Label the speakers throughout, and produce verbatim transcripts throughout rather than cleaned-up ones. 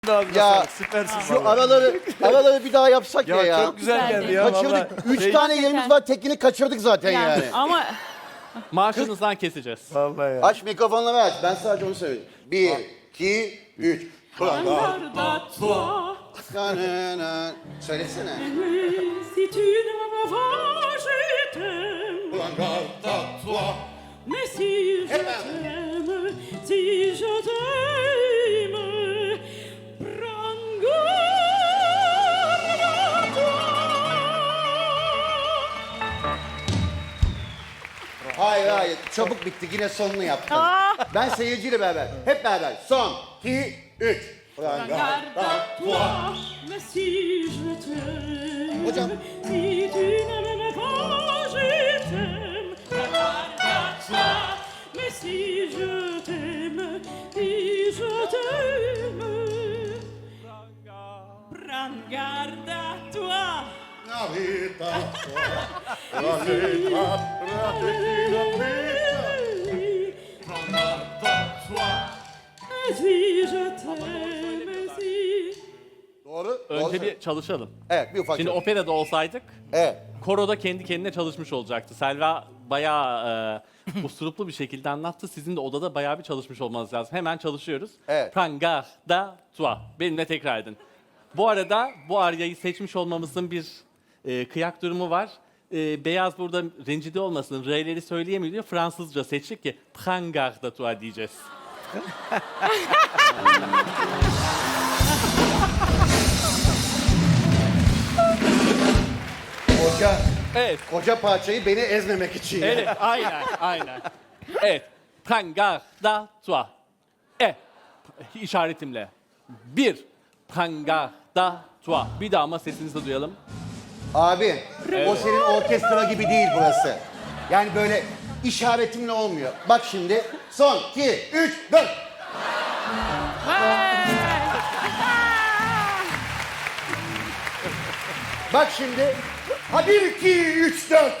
Speaker 1: Ya
Speaker 2: süpersin.
Speaker 1: şu araları araları bir daha yapsak ya
Speaker 2: Ya,
Speaker 1: ya.
Speaker 2: çok güzel
Speaker 3: Güzeldi.
Speaker 2: geldi ya.
Speaker 1: Kaçırdık.
Speaker 2: vallahi.
Speaker 1: Üç
Speaker 2: Şey-
Speaker 1: tane yerimiz var. Tekini kaçırdık zaten yani.
Speaker 3: Yani, ama
Speaker 4: Maaşınızdan keseceğiz.
Speaker 2: Vallahi ya.
Speaker 1: Aç mikrofonları aç. Ben sadece onu söyleyeyim. Bir, iki, üç.
Speaker 5: Regarde toi,
Speaker 1: Kanana. Söylesene.
Speaker 5: si tu ne m'avais pas, je t'aime. Mais si je t'aime, si je t'aime, prends garde à toi.
Speaker 1: Hayır hayır. Çabuk bitti. Yine sonunu yaptım. Ben seyirciyle beraber. Hep beraber. Son, iki, üç.
Speaker 5: Garde à toi, mais si je t'aime,
Speaker 1: Hocam.
Speaker 5: si tu ne m'aimes pas, je t'aime. Garde à toi, mais si je t'aime, si je t'aime, prends garde à toi. Si je t'aime, si...
Speaker 1: Doğru. Doğru
Speaker 4: Önce
Speaker 1: söyle.
Speaker 4: bir çalışalım.
Speaker 1: Evet bir ufak.
Speaker 4: Şimdi
Speaker 1: Şimdi
Speaker 4: operada olsaydık
Speaker 1: Evet.
Speaker 4: koroda kendi kendine çalışmış olacaktı. Selva bayağı e, usturuplu bir şekilde anlattı. Sizin de odada bayağı bir çalışmış olmanız lazım. Hemen çalışıyoruz.
Speaker 1: Evet.
Speaker 4: Pranga da tua. Benimle tekrar edin. Bu arada bu aryayı seçmiş olmamızın bir e, kıyak durumu var. E, Beyaz burada rencide olmasın. R'leri söyleyemiyor diyor. Fransızca seçtik ki pranga da tua diyeceğiz.
Speaker 1: Koca,
Speaker 4: Evet.
Speaker 1: koca parçayı beni ezmemek için.
Speaker 4: Evet, aynen, aynen. Evet. Pranga da tua. E. işaretimle. Bir. Pranga da tua. Bir daha ama sesinizi duyalım.
Speaker 1: Abi o senin orkestra gibi değil burası. Yani böyle işaretimle olmuyor. Bak şimdi son iki, üç, dört. Bak şimdi. Ha bir, iki, üç, dört.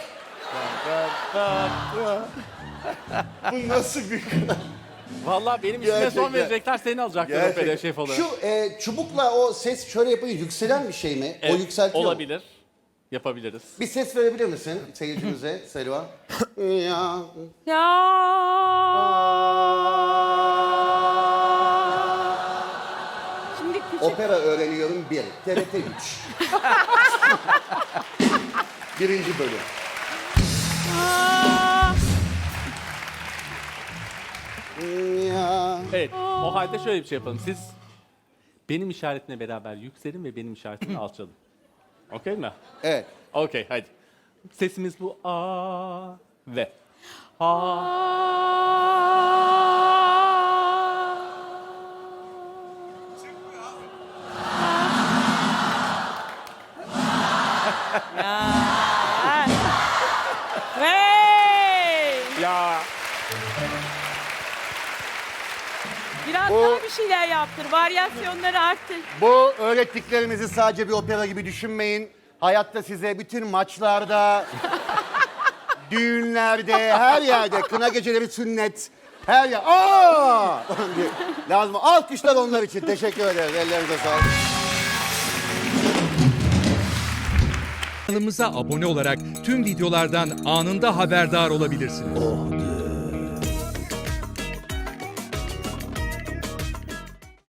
Speaker 1: Bu nasıl bir...
Speaker 4: Vallahi benim ismime son
Speaker 1: Gerçekten.
Speaker 4: verecekler, seni alacaklar operaya şef olarak.
Speaker 1: Şu e, çubukla o ses şöyle yapınca yükselen bir şey mi?
Speaker 4: Evet,
Speaker 1: O yükseltiyor mu?
Speaker 4: olabilir. Yapabiliriz.
Speaker 1: Bir ses verebilir misin seyircimize Selva? Ya.
Speaker 3: ya şimdi küçük
Speaker 1: Opera öğreniyorum bir. T R T üç. Birinci bölüm.
Speaker 3: Aa,
Speaker 1: Ya.
Speaker 4: Evet, o halde şöyle bir şey yapalım. Siz benim işaretimle beraber yükselin ve benim işaretimle alçalın. Okey mi?
Speaker 1: Evet.
Speaker 4: Okey, hadi. Sesimiz bu a ve a.
Speaker 3: hey!
Speaker 4: Ya.
Speaker 3: Biraz
Speaker 1: Bu-
Speaker 3: daha bir şeyler yaptır, varyasyonları arttır.
Speaker 1: Bu öğrettiklerimizi sadece bir opera gibi düşünmeyin. Hayatta size bütün maçlarda, düğünlerde, her yerde, kına geceleri, sünnet, her yer. Aa! diye lazım. Alkışlar onlar için. Teşekkür ederiz. Ellerinize sağlık.
Speaker 6: Kanalımıza abone olarak tüm videolardan anında haberdar olabilirsiniz.